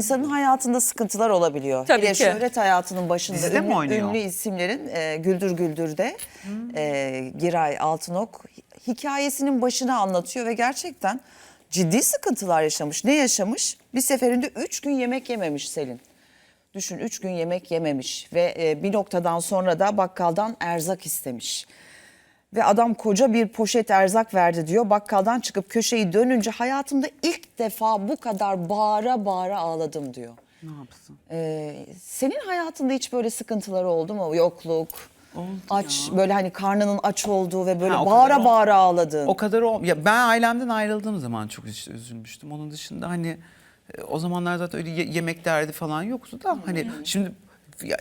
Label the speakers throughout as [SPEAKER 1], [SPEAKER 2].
[SPEAKER 1] İnsanın hayatında sıkıntılar olabiliyor.
[SPEAKER 2] Tabii
[SPEAKER 1] Hele
[SPEAKER 2] ki.
[SPEAKER 1] şöhret hayatının başında
[SPEAKER 3] Dizide mi oynuyor?
[SPEAKER 1] ünlü isimlerin Güldür Güldür'de Giray Altınok hikayesinin başını anlatıyor ve gerçekten ciddi sıkıntılar yaşamış. Ne yaşamış? Bir seferinde 3 gün yemek yememiş Selin. Düşün 3 gün yemek yememiş ve bir noktadan sonra da bakkaldan erzak istemiş. Ve adam koca bir poşet erzak verdi diyor. Bakkaldan çıkıp köşeyi dönünce hayatımda ilk defa bu kadar bağıra bağıra ağladım diyor.
[SPEAKER 3] Ne yapsın?
[SPEAKER 1] Senin hayatında hiç böyle sıkıntılar oldu mu? Yokluk,
[SPEAKER 3] Oldu
[SPEAKER 1] aç, böyle hani karnının aç olduğu ve böyle
[SPEAKER 3] Ha, o
[SPEAKER 1] bağıra
[SPEAKER 3] kadar
[SPEAKER 1] bağıra ağladığın.
[SPEAKER 3] O kadar ya ben ailemden ayrıldığım zaman çok işte üzülmüştüm. Onun dışında hani o zamanlar zaten öyle yemek derdi falan yoktu da hani şimdi ya,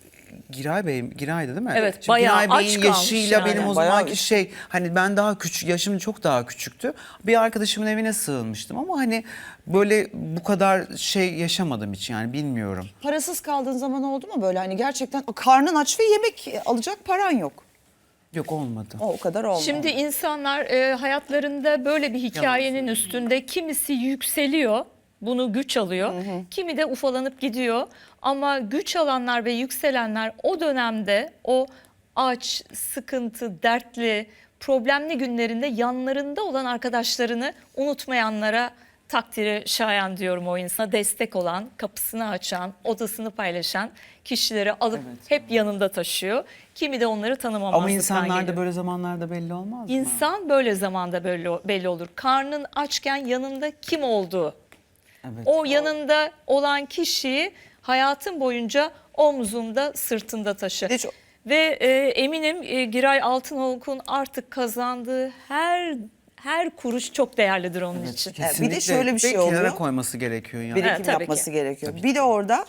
[SPEAKER 3] Giray'dı değil mi?
[SPEAKER 2] Evet,
[SPEAKER 3] Şimdi
[SPEAKER 2] bayağı
[SPEAKER 3] Giray
[SPEAKER 2] aç
[SPEAKER 3] Bey'in
[SPEAKER 2] kalmış
[SPEAKER 3] yaşıyla
[SPEAKER 2] yani.
[SPEAKER 3] benim o
[SPEAKER 1] Bayağı
[SPEAKER 3] zamanki hani ben daha küçük, yaşım çok daha küçüktü. Bir arkadaşımın evine sığınmıştım ama hani böyle bu kadar şey yaşamadım hiç yani bilmiyorum.
[SPEAKER 1] Parasız kaldığın zaman oldu mu böyle hani gerçekten karnın aç ve yemek alacak paran yok.
[SPEAKER 3] Yok olmadı.
[SPEAKER 1] O kadar olmadı.
[SPEAKER 2] Şimdi insanlar hayatlarında böyle bir hikayenin üstünde kimisi yükseliyor, bunu güç alıyor. Kimi de ufalanıp gidiyor. Ama güç alanlar ve yükselenler o dönemde o aç, sıkıntı, dertli, problemli günlerinde yanlarında olan arkadaşlarını unutmayanlara takdiri şayan diyorum o insana. Destek olan, kapısını açan, odasını paylaşan kişileri alıp hep yanında taşıyor. Kimi de onları tanımamazlıktan
[SPEAKER 3] Ama insanlar
[SPEAKER 2] geliyor.
[SPEAKER 3] da böyle zamanlarda belli olmaz mı?
[SPEAKER 2] İnsan böyle zamanda belli olur. Karnın açken yanında kim olduğu.
[SPEAKER 3] Evet.
[SPEAKER 2] O yanında olan kişiyi hayatın boyunca omzunda, sırtında taşı.
[SPEAKER 1] Hiç-
[SPEAKER 2] Ve eminim Giray Altınok'un artık kazandığı her kuruş çok değerlidir onun için.
[SPEAKER 3] Kesinlikle.
[SPEAKER 1] Bir de şöyle bir şey
[SPEAKER 3] Ve kenara
[SPEAKER 1] oluyor.
[SPEAKER 3] koyması gerekiyor yani.
[SPEAKER 1] Birikim
[SPEAKER 2] Evet, tabii
[SPEAKER 1] yapması
[SPEAKER 2] ki.
[SPEAKER 1] gerekiyor. Bir de orada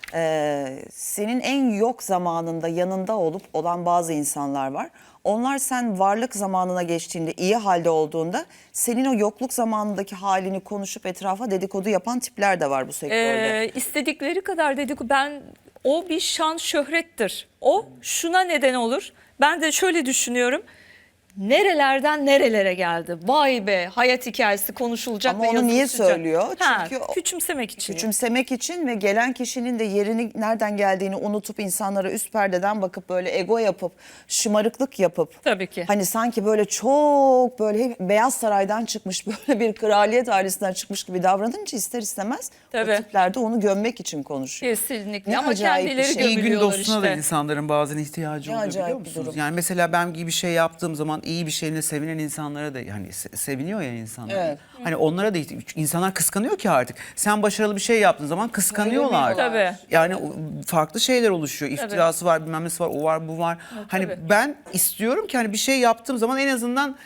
[SPEAKER 1] senin en yok zamanında yanında olan bazı insanlar var. Onlar sen varlık zamanına geçtiğinde, iyi halde olduğunda senin o yokluk zamanındaki halini konuşup etrafa dedikodu yapan tipler de var bu sektörde.
[SPEAKER 2] İstedikleri kadar dedikodu. O bir şan şöhrettir. O şuna neden olur. Ben de şöyle düşünüyorum. Nerelerden nerelere geldi? Vay be, hayat hikayesi konuşulacak
[SPEAKER 1] Ama
[SPEAKER 2] ve
[SPEAKER 1] onu niye
[SPEAKER 2] yazılacak.
[SPEAKER 1] söylüyor?
[SPEAKER 2] Ha,
[SPEAKER 1] Çünkü
[SPEAKER 2] küçümsemek için.
[SPEAKER 1] küçümsemek için ve gelen kişinin de yerini nereden geldiğini unutup insanlara üst perdeden bakıp böyle ego yapıp şımarıklık yapıp
[SPEAKER 2] Tabii ki.
[SPEAKER 1] hani sanki böyle çok böyle hep Beyaz Saray'dan çıkmış böyle bir kraliyet ailesinden çıkmış gibi davranınca ister istemez
[SPEAKER 2] Tabii.
[SPEAKER 1] o tipler de onu gömmek için konuşuyor.
[SPEAKER 2] Kesinlikle.
[SPEAKER 1] Ne
[SPEAKER 2] Ama
[SPEAKER 1] acayip bir
[SPEAKER 2] kendileri
[SPEAKER 1] şey.
[SPEAKER 3] İyi gün
[SPEAKER 2] gömülüyorlar
[SPEAKER 3] dostuna da
[SPEAKER 2] işte.
[SPEAKER 3] insanların bazen ihtiyacı
[SPEAKER 1] Ne
[SPEAKER 3] oluyor
[SPEAKER 1] acayip
[SPEAKER 3] biliyor
[SPEAKER 1] bir
[SPEAKER 3] musunuz?
[SPEAKER 1] durum.
[SPEAKER 3] Yani mesela ben iyi bir şey yaptığım zaman iyi bir şeyine sevinen insanlara da yani seviniyor ya insanlar.
[SPEAKER 1] Evet.
[SPEAKER 3] Hani onlara da insanlar kıskanıyor ki artık. Sen başarılı bir şey yaptığın zaman kıskanıyorlar.
[SPEAKER 2] Tabii.
[SPEAKER 3] Yani farklı şeyler oluşuyor. İftirası var, bilmem nesi var, o var, bu var. Hani
[SPEAKER 2] tabii.
[SPEAKER 3] ben istiyorum ki hani bir şey yaptığım zaman en azından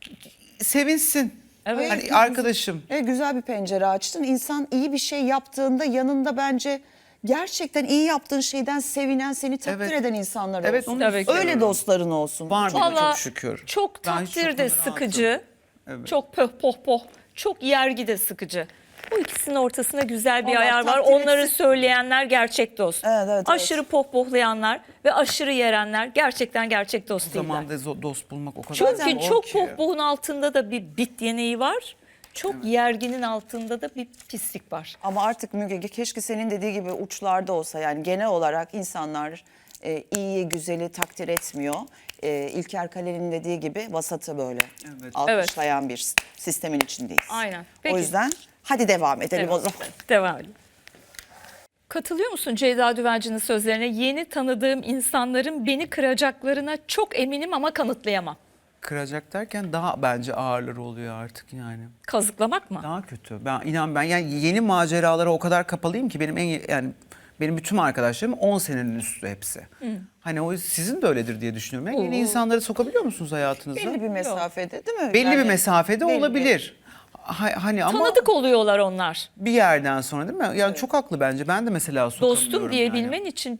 [SPEAKER 3] sevinsin.
[SPEAKER 2] Evet.
[SPEAKER 3] Hani arkadaşım.
[SPEAKER 1] Güzel bir pencere açtın. İnsan iyi bir şey yaptığında yanında bence gerçekten iyi yaptığın şeyden sevinen, seni takdir
[SPEAKER 3] Evet.
[SPEAKER 1] eden insanlar
[SPEAKER 3] Evet,
[SPEAKER 1] olsun.
[SPEAKER 3] onu
[SPEAKER 2] Tabii ki.
[SPEAKER 3] istiyorum.
[SPEAKER 1] Öyle dostların olsun.
[SPEAKER 3] Var benim
[SPEAKER 2] Vallahi
[SPEAKER 3] çok şükür.
[SPEAKER 2] çok
[SPEAKER 3] Ben hiç
[SPEAKER 2] takdir de
[SPEAKER 3] çok
[SPEAKER 2] sıkıcı,
[SPEAKER 3] Evet.
[SPEAKER 2] çok pöh poh poh, çok yergi de sıkıcı. Bu ikisinin ortasında güzel bir
[SPEAKER 1] Allah
[SPEAKER 2] ayar var.
[SPEAKER 1] takdir
[SPEAKER 2] Onları
[SPEAKER 1] etsin.
[SPEAKER 2] söyleyenler gerçek dost.
[SPEAKER 1] Evet.
[SPEAKER 2] Aşırı pohpohlayanlar ve aşırı yerenler gerçekten gerçek dost
[SPEAKER 3] O
[SPEAKER 2] değiller.
[SPEAKER 3] zaman da dost bulmak o kadar
[SPEAKER 2] Çünkü
[SPEAKER 3] zor
[SPEAKER 2] çok
[SPEAKER 3] ki.
[SPEAKER 2] pohpohun altında da bir bit yeneği var. Çok yerginin altında da bir pislik var.
[SPEAKER 1] Ama artık Müge keşke senin dediği gibi uçlarda olsa yani genel olarak insanlar iyiyi güzeli takdir etmiyor. İlker Kaleli'nin dediği gibi vasatı böyle
[SPEAKER 3] Evet.
[SPEAKER 1] alkışlayan bir sistemin içindeyiz.
[SPEAKER 2] Aynen. Peki.
[SPEAKER 1] O yüzden hadi devam edelim o zaman.
[SPEAKER 2] Devam edelim. Katılıyor musun Ceyda Düvenci'nin sözlerine? Yeni tanıdığım insanların beni kıracaklarına çok eminim ama kanıtlayamam.
[SPEAKER 3] Kıracak derken daha bence ağırları oluyor artık yani.
[SPEAKER 2] Kazıklamak mı?
[SPEAKER 3] Daha kötü. Ben yani yeni maceralara o kadar kapalıyım ki benim bütün arkadaşlarım 10 senenin üstü hepsi. Hani o sizin de öyledir diye düşünüyorum. Yani yeni insanları sokabiliyor musunuz hayatınıza?
[SPEAKER 1] Belli bir mesafede değil mi?
[SPEAKER 3] Belli
[SPEAKER 1] Yani
[SPEAKER 3] bir mesafede
[SPEAKER 1] belli.
[SPEAKER 3] olabilir. Hani ama
[SPEAKER 2] Tanıdık oluyorlar onlar.
[SPEAKER 3] bir yerden sonra değil mi? Yani çok haklı bence. Ben de mesela sokamıyorum
[SPEAKER 2] Dostum diyebilmen
[SPEAKER 3] yani.
[SPEAKER 2] için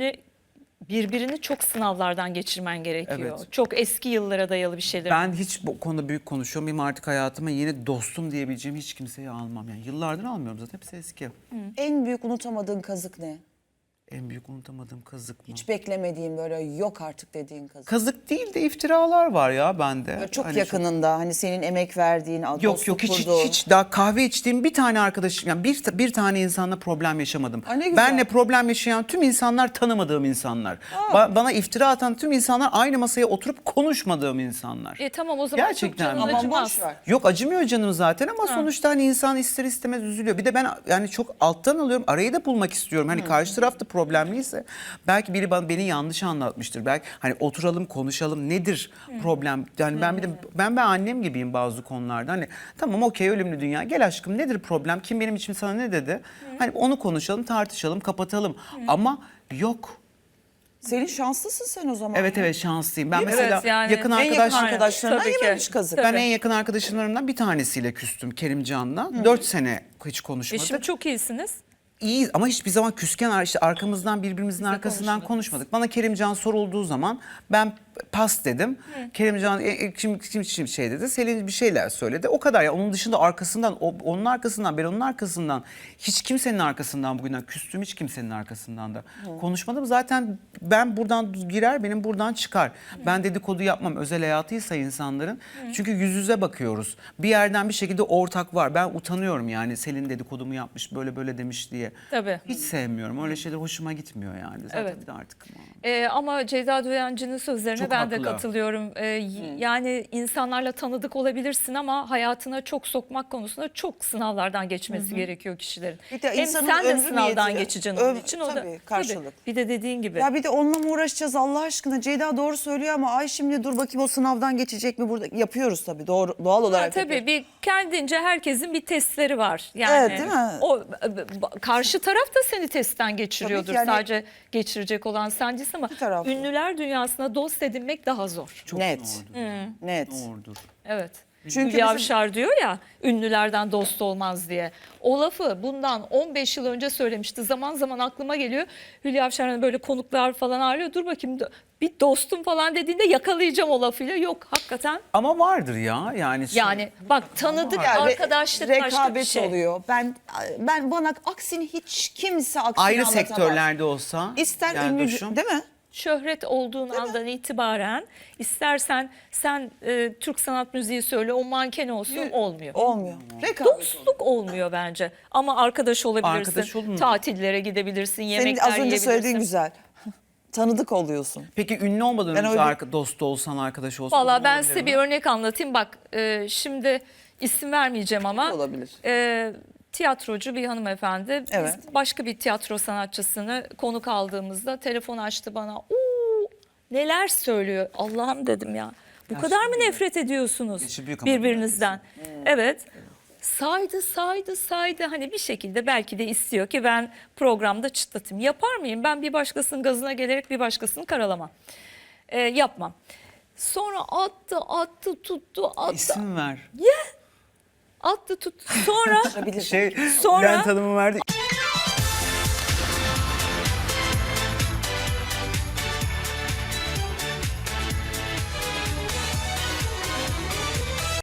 [SPEAKER 2] birbirini çok sınavlardan geçirmen gerekiyor.
[SPEAKER 3] Evet.
[SPEAKER 2] Çok eski yıllara dayalı bir şeyler.
[SPEAKER 3] Ben hiç bu konuda büyük konuşuyorum. Benim artık hayatıma yeni dostum diyebileceğim hiç kimseyi almam. Yani yıllardır almıyorum zaten. Hepsi eski.
[SPEAKER 1] En büyük unutamadığın kazık ne?
[SPEAKER 3] En büyük unutamadığım kazık mı?
[SPEAKER 1] Hiç beklemediğin böyle yok artık dediğin kazık.
[SPEAKER 3] Kazık değil de iftiralar var ya bende.
[SPEAKER 1] Böyle çok
[SPEAKER 3] Hani
[SPEAKER 1] yakınında hani senin emek verdiğin,
[SPEAKER 3] Yok
[SPEAKER 1] dostluk
[SPEAKER 3] hiç
[SPEAKER 1] kurduğun.
[SPEAKER 3] daha kahve içtiğim bir tane arkadaşım, yani bir tane insanla problem yaşamadım.
[SPEAKER 1] Ay ne güzel.
[SPEAKER 3] Benle problem yaşayan tüm insanlar tanımadığım insanlar. Bana iftira atan tüm insanlar aynı masaya oturup konuşmadığım insanlar.
[SPEAKER 2] Tamam o zaman
[SPEAKER 3] Gerçekten
[SPEAKER 2] çok
[SPEAKER 3] mi?
[SPEAKER 2] canın
[SPEAKER 1] Aman
[SPEAKER 2] acımaz.
[SPEAKER 1] boş ver.
[SPEAKER 3] Yok acımıyor canım zaten ama sonuçta hani insan ister istemez üzülüyor. Bir de ben yani çok alttan alıyorum. Arayı da bulmak istiyorum. Hani karşı tarafta problemliyse belki biri beni yanlış anlatmıştır. Belki hani oturalım konuşalım nedir problem? Yani ben annem gibiyim bazı konularda. Hani tamam okey ölümlü dünya. Gel aşkım nedir problem? Kim benim için sana ne dedi? Hani onu konuşalım, tartışalım, kapatalım. Ama yok.
[SPEAKER 1] Senin şanslısın sen o zaman.
[SPEAKER 3] Evet şanslıyım. Ben
[SPEAKER 1] Değil mi?
[SPEAKER 3] mesela
[SPEAKER 2] Evet, yani
[SPEAKER 3] yakın
[SPEAKER 1] En yakın
[SPEAKER 3] arkadaş
[SPEAKER 1] arkadaşlarından
[SPEAKER 2] Tabii ki.
[SPEAKER 1] yememiş kazık.
[SPEAKER 2] Tabii.
[SPEAKER 3] ben en yakın arkadaşlarımdan bir tanesiyle küstüm, Kerimcan'la. 4 sene hiç konuşmadık.
[SPEAKER 2] Şimdi çok iyisiniz.
[SPEAKER 3] İyi ama hiçbir zaman küsken işte arkamızdan birbirimizin arkasından konuşmadık. Bana Kerimcan sorulduğu zaman ben pas dedim. Kerimcan kim şey dedi. Selin bir şeyler söyledi. O kadar ya. Onun dışında arkasından onun arkasından ben onun arkasından hiç kimsenin arkasından bugünden küstüm hiç kimsenin arkasından da konuşmadım. Zaten ben buradan girer benim buradan çıkar. Ben dedikodu yapmam özel hayatıysa insanların. Çünkü yüz yüze bakıyoruz. Bir yerden bir şekilde ortak var. Ben utanıyorum yani Selin dedikodumu yapmış böyle böyle demiş diye.
[SPEAKER 2] Tabii.
[SPEAKER 3] Hiç sevmiyorum. Öyle şeyler hoşuma gitmiyor yani. Zaten
[SPEAKER 2] Evet.
[SPEAKER 3] bir de artık.
[SPEAKER 2] Ama Ceyda Duyancı'nın sözlerine
[SPEAKER 3] Çok
[SPEAKER 2] ben de
[SPEAKER 3] haklı.
[SPEAKER 2] katılıyorum. Yani insanlarla tanıdık olabilirsin ama hayatına çok sokmak konusunda çok sınavlardan geçmesi gerekiyor kişilerin.
[SPEAKER 1] Bir de
[SPEAKER 2] Hem
[SPEAKER 1] insanın
[SPEAKER 2] sen de
[SPEAKER 1] ömrü
[SPEAKER 2] sınavdan
[SPEAKER 1] niyeti,
[SPEAKER 2] geçeceksin onun için. O da,
[SPEAKER 1] tabii, karşılık.
[SPEAKER 2] Bir de dediğin gibi.
[SPEAKER 1] Ya bir de onunla mı uğraşacağız Allah aşkına? Ceyda doğru söylüyor ama ay şimdi dur bakayım o sınavdan geçecek mi burada? Yapıyoruz tabii doğal olarak.
[SPEAKER 2] Tabii
[SPEAKER 1] yapıyoruz.
[SPEAKER 2] bir kendince herkesin bir testleri var. Yani
[SPEAKER 1] Evet, değil mi?
[SPEAKER 2] O karşı taraf da seni testten geçiriyordur.
[SPEAKER 1] Tabii ki yani-
[SPEAKER 2] Sadece geçirecek olan sen değilsin ama
[SPEAKER 1] İki taraflı.
[SPEAKER 2] ünlüler dünyasına dost edinmek daha zor.
[SPEAKER 3] Çok
[SPEAKER 1] Net.
[SPEAKER 3] doğrudur.
[SPEAKER 1] Net.
[SPEAKER 3] Doğrudur.
[SPEAKER 2] Evet.
[SPEAKER 1] Çünkü
[SPEAKER 2] Hülya
[SPEAKER 1] bizim-
[SPEAKER 2] Avşar diyor ya ünlülerden dost olmaz diye. O lafı bundan 15 yıl önce söylemişti. Zaman zaman aklıma geliyor. Hülya Avşar'ın böyle konuklar falan ağırlıyor. Dur bakayım bir dostum falan dediğinde yakalayacağım o lafıyla. Yok hakikaten.
[SPEAKER 3] Ama vardır ya yani.
[SPEAKER 2] Yani bak tanıdık
[SPEAKER 1] Yani
[SPEAKER 2] arkadaşlık başka bir
[SPEAKER 1] rekabet
[SPEAKER 2] şey.
[SPEAKER 1] oluyor. Ben bana aksini hiç kimse aksini
[SPEAKER 3] ayrı
[SPEAKER 1] anlatamaz.
[SPEAKER 3] sektörlerde olsa.
[SPEAKER 1] İster
[SPEAKER 3] yani
[SPEAKER 1] ünlü
[SPEAKER 3] Duşum,
[SPEAKER 1] değil mi?
[SPEAKER 2] Şöhret olduğun andan itibaren istersen sen Türk sanat müziği söyle o manken olsun olmuyor.
[SPEAKER 1] Olmuyor. Rekabet.
[SPEAKER 2] Dostluk olmuyor bence. Ama arkadaş olabilirsin.
[SPEAKER 3] Arkadaş olun.
[SPEAKER 2] Tatillere gidebilirsin,
[SPEAKER 1] Senin
[SPEAKER 2] yemekler
[SPEAKER 1] az önce
[SPEAKER 2] yiyebilirsin.
[SPEAKER 1] söylediğin güzel. Tanıdık oluyorsun.
[SPEAKER 3] Peki ünlü olmadan
[SPEAKER 1] Ben
[SPEAKER 3] önce
[SPEAKER 1] öyle-
[SPEAKER 3] dost olsan arkadaş olsan.
[SPEAKER 2] Valla ben
[SPEAKER 3] olabilir
[SPEAKER 2] size
[SPEAKER 3] mi?
[SPEAKER 2] bir örnek anlatayım. Bak şimdi isim vermeyeceğim ama.
[SPEAKER 1] Olabilir.
[SPEAKER 2] Tiyatrocu bir hanımefendi.
[SPEAKER 1] Evet.
[SPEAKER 2] Biz başka bir tiyatro sanatçısını konuk aldığımızda telefon açtı bana. Neler söylüyor. Allah'ım dedim ya. Bu kadar mı nefret ediyorsunuz
[SPEAKER 3] Yaşı büyük ama
[SPEAKER 2] birbirinizden? Evet. Saydı hani bir şekilde belki de istiyor ki ben programda çıtlatayım. Yapar mıyım? Ben bir başkasının gazına gelerek bir başkasını karalamam. Yapmam. Sonra attı tuttu.
[SPEAKER 3] İsim ver.
[SPEAKER 2] Attı tuttu. Sonra
[SPEAKER 1] Olabilir.
[SPEAKER 3] Şey
[SPEAKER 2] Sonra-
[SPEAKER 3] Bülent Hanım'ın verdi.